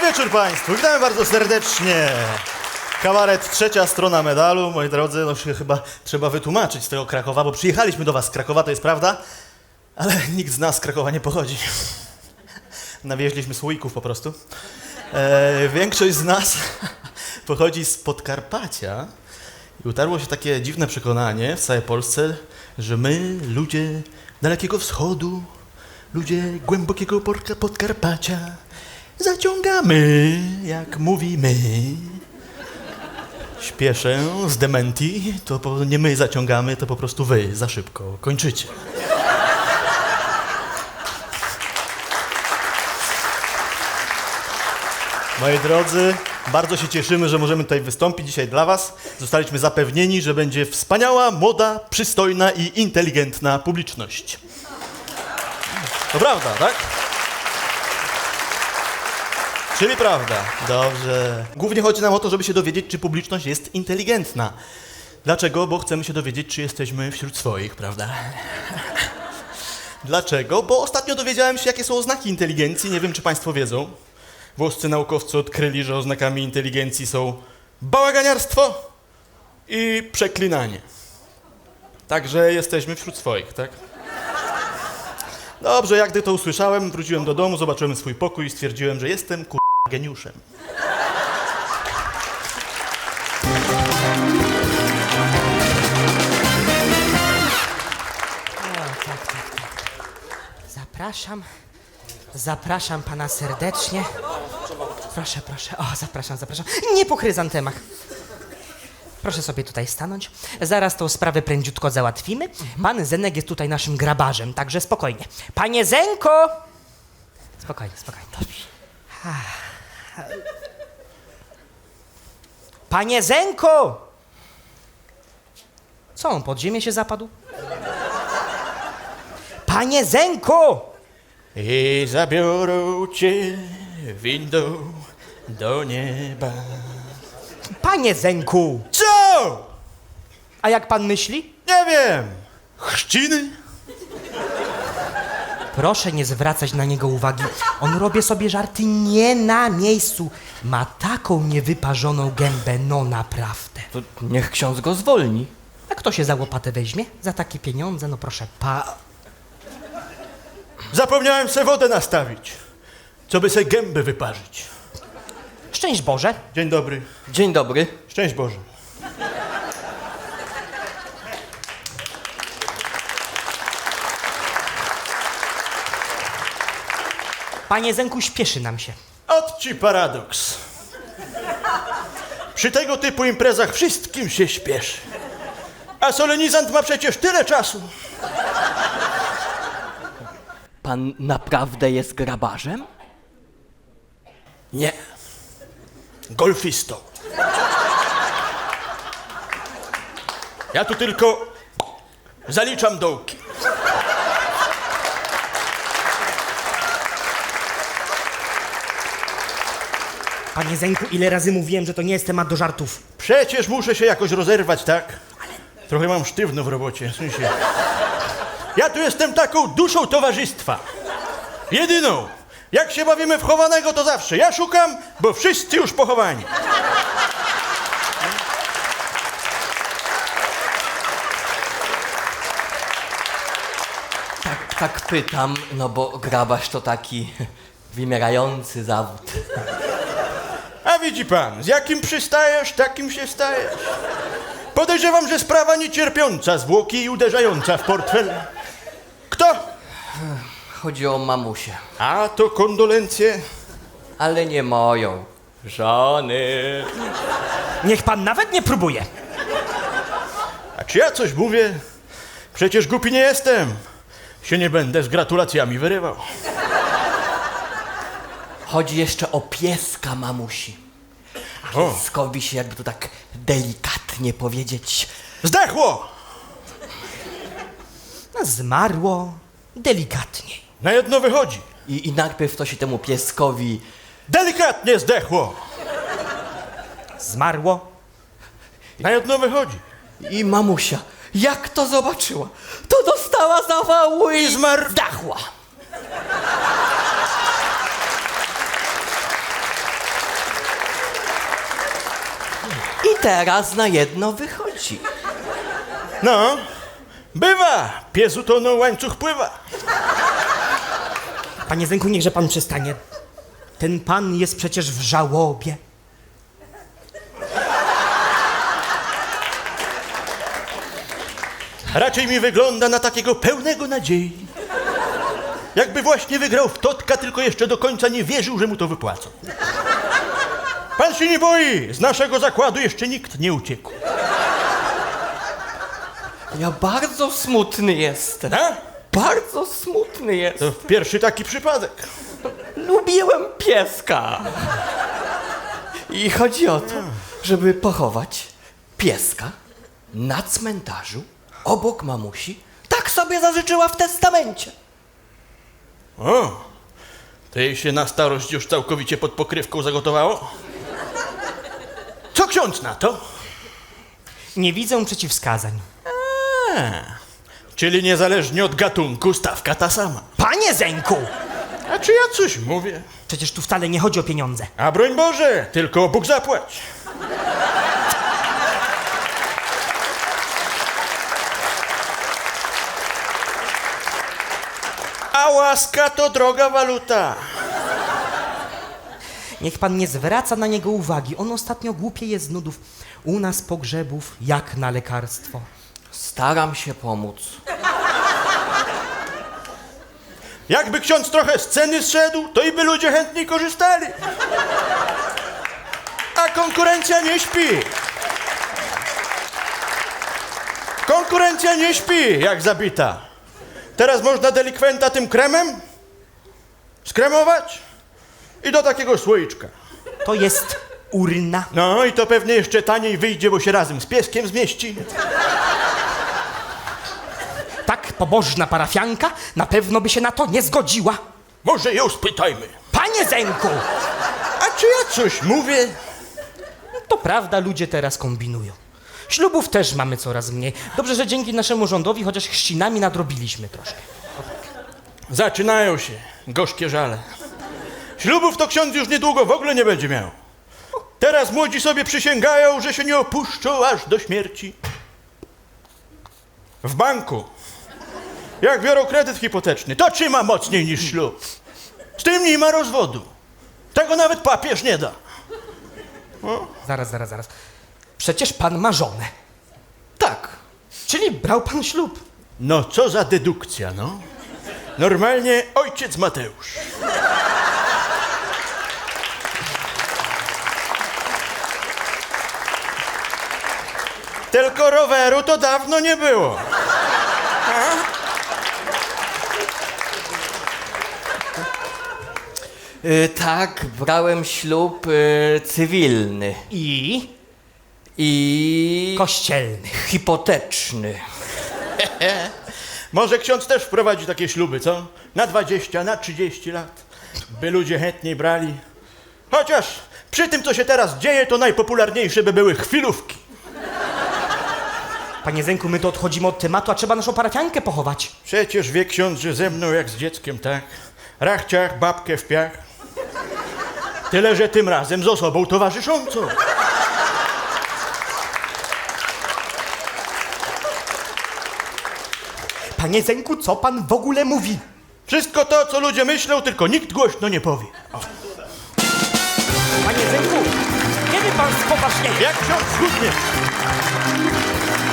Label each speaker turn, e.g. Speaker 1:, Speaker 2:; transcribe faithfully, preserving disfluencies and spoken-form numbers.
Speaker 1: wieczór Państwu, witamy bardzo serdecznie. Kabaret Trzecia Strona Medalu, moi drodzy, no się chyba trzeba wytłumaczyć z tego Krakowa, bo przyjechaliśmy do was z Krakowa, to jest prawda, ale nikt z nas z Krakowa nie pochodzi. Nawieźliśmy słoików po prostu. E, większość z nas pochodzi z Podkarpacia i utarło się takie dziwne przekonanie w całej Polsce, że my, ludzie Dalekiego Wschodu, ludzie głębokiego Podkarpacia, zaciągamy, jak mówimy. Śpieszę z dementi, to po, nie my zaciągamy, to po prostu wy za szybko kończycie. Moi drodzy, bardzo się cieszymy, że możemy tutaj wystąpić dzisiaj dla was. Zostaliśmy zapewnieni, że będzie wspaniała, młoda, przystojna i inteligentna publiczność. To prawda, tak? Czyli prawda. Dobrze. Głównie chodzi nam o to, żeby się dowiedzieć, czy publiczność jest inteligentna. Dlaczego? Bo chcemy się dowiedzieć, czy jesteśmy wśród swoich, prawda? Dlaczego? Bo ostatnio dowiedziałem się, jakie są oznaki inteligencji. Nie wiem, czy państwo wiedzą. Włoscy naukowcy odkryli, że oznakami inteligencji są bałaganiarstwo i przeklinanie. Także jesteśmy wśród swoich, tak? Dobrze, jak gdy to usłyszałem, wróciłem do domu, zobaczyłem swój pokój i stwierdziłem, że jestem kur... geniuszem.
Speaker 2: O, tak, tak, tak. Zapraszam. Zapraszam pana serdecznie. Proszę, proszę. O, zapraszam, zapraszam. Nie po chryzantemach. Proszę sobie tutaj stanąć. Zaraz tą sprawę prędziutko załatwimy. Pan Zenek jest tutaj naszym grabarzem, także spokojnie. Panie Zenko! Spokojnie, spokojnie. Dobrze. Panie Zenko! Co on, pod ziemię się zapadł? Panie Zenko!
Speaker 1: I zabiorą cię windą do nieba.
Speaker 2: Panie Zenku!
Speaker 1: Co?
Speaker 2: A jak pan myśli?
Speaker 1: Nie wiem. Chrzciny?
Speaker 2: Proszę nie zwracać na niego uwagi. On robi sobie żarty nie na miejscu. Ma taką niewyparzoną gębę, no naprawdę.
Speaker 3: To niech ksiądz go zwolni.
Speaker 2: A kto się za łopatę weźmie? Za takie pieniądze? No proszę, pa...
Speaker 1: Zapomniałem se wodę nastawić, co by se gębę wyparzyć.
Speaker 2: Szczęść Boże.
Speaker 1: Dzień dobry.
Speaker 3: Dzień dobry.
Speaker 1: Szczęść Boże.
Speaker 2: Panie Zenku, śpieszy nam się.
Speaker 1: Ot ci paradoks. Przy tego typu imprezach wszystkim się śpieszy. A solenizant ma przecież tyle czasu.
Speaker 3: Pan naprawdę jest grabarzem?
Speaker 1: Nie. Golfistą. Ja tu tylko zaliczam dołki.
Speaker 2: Panie Zenku, ile razy mówiłem, że to nie jest temat do żartów.
Speaker 1: Przecież muszę się jakoś rozerwać, tak? Trochę mam sztywno w robocie, w sensie. Ja tu jestem taką duszą towarzystwa. Jedyną. Jak się bawimy w chowanego, to zawsze ja szukam, bo wszyscy już pochowani.
Speaker 3: Tak, tak pytam, no bo grabarz to taki wymierający zawód.
Speaker 1: A widzi pan, z jakim przystajesz, takim się stajesz. Podejrzewam, że sprawa niecierpiąca zwłoki i uderzająca w portfel. Kto?
Speaker 3: Chodzi o mamusię.
Speaker 1: A to kondolencje.
Speaker 3: Ale nie moją. Żony.
Speaker 2: Niech pan nawet nie próbuje.
Speaker 1: A czy ja coś mówię? Przecież głupi nie jestem. Się nie będę z gratulacjami wyrywał.
Speaker 3: Chodzi jeszcze o pieska mamusi. A
Speaker 1: O.
Speaker 3: pieskowi się, jakby to tak delikatnie powiedzieć,
Speaker 1: Zdechło!
Speaker 2: No, zmarło delikatniej.
Speaker 1: Na jedno wychodzi.
Speaker 3: i, i najpierw to się temu pieskowi
Speaker 1: Delikatnie zdechło.
Speaker 2: Zmarło.
Speaker 1: Na jedno wychodzi.
Speaker 3: i mamusia, jak to zobaczyła, to dostała zawału i
Speaker 1: Zmarł.
Speaker 3: zdachła. teraz na jedno wychodzi.
Speaker 1: No, bywa. Pies utonął, łańcuch pływa.
Speaker 2: Panie Zenku, niechże pan przestanie. Ten pan jest przecież w żałobie.
Speaker 1: Raczej mi wygląda na takiego pełnego nadziei. Jakby właśnie wygrał w Totka, tylko jeszcze do końca nie wierzył, że mu to wypłacą. Pan się nie boi. Z naszego zakładu jeszcze nikt nie uciekł.
Speaker 3: Ja bardzo smutny jestem.
Speaker 1: A?
Speaker 3: Bardzo smutny jestem.
Speaker 1: To pierwszy taki przypadek.
Speaker 3: Lubiłem pieska. I chodzi o to, żeby pochować pieska na cmentarzu obok mamusi. Tak sobie zażyczyła w testamencie.
Speaker 1: O, to jej się na starość już całkowicie pod pokrywką zagotowało? Co ksiądz na to?
Speaker 2: Nie widzę przeciwwskazań.
Speaker 1: A, czyli niezależnie od gatunku stawka ta sama.
Speaker 2: Panie Zenku!
Speaker 1: A czy ja coś mówię?
Speaker 2: Przecież tu wcale nie chodzi o pieniądze.
Speaker 1: A broń Boże, tylko Bóg zapłać. A łaska to droga waluta.
Speaker 2: Niech pan nie zwraca na niego uwagi. On ostatnio głupieje z nudów. U nas pogrzebów jak na lekarstwo.
Speaker 3: Staram się pomóc.
Speaker 1: Jakby ksiądz trochę z ceny zszedł, to i by ludzie chętniej korzystali. A konkurencja nie śpi. Konkurencja nie śpi, jak zabita. Teraz można delikwenta tym kremem skremować i do takiego słoiczka.
Speaker 2: To jest urna.
Speaker 1: No i to pewnie jeszcze taniej wyjdzie, bo się razem z pieskiem zmieści.
Speaker 2: Tak pobożna parafianka na pewno by się na to nie zgodziła.
Speaker 1: Może ją spytajmy.
Speaker 2: Panie Zenku!
Speaker 1: A czy ja coś mówię?
Speaker 2: To prawda, ludzie teraz kombinują. Ślubów też mamy coraz mniej. Dobrze, że dzięki naszemu rządowi chociaż chrzcinami nadrobiliśmy troszkę.
Speaker 1: Zaczynają się gorzkie żale. Ślubów to ksiądz już niedługo w ogóle nie będzie miał. Teraz młodzi sobie przysięgają, że się nie opuszczą aż do śmierci. W banku, jak biorą kredyt hipoteczny, to trzyma mocniej niż ślub. Z tym nie ma rozwodu. Tego nawet papież nie da.
Speaker 2: Zaraz, zaraz, zaraz. Przecież pan ma żonę.
Speaker 3: Tak.
Speaker 2: Czyli brał pan ślub.
Speaker 1: No co za dedukcja, no. Normalnie ojciec Mateusz. Tylko roweru to dawno nie było.
Speaker 3: Y, tak, brałem ślub y, cywilny
Speaker 2: I
Speaker 3: i
Speaker 2: kościelny.
Speaker 3: hipoteczny.
Speaker 1: Może ksiądz też wprowadzi takie śluby, co? Na dwadzieścia, na trzydzieści lat. By ludzie chętniej brali. Chociaż przy tym, co się teraz dzieje, to najpopularniejsze by były chwilówki.
Speaker 2: Panie Zenku, my to odchodzimy od tematu, a trzeba naszą parafiankę pochować.
Speaker 1: Przecież wie ksiądz, że ze mną jak z dzieckiem, tak? Rachciach, babkę w piach. Tyle, że tym razem z osobą towarzyszącą.
Speaker 2: Panie Zenku, co pan w ogóle mówi?
Speaker 1: Wszystko to, co ludzie myślą, tylko nikt głośno nie powie. O.
Speaker 2: Panie Zenku, kiedy pan spoważnieje?
Speaker 1: Jak ksiądz schudnie?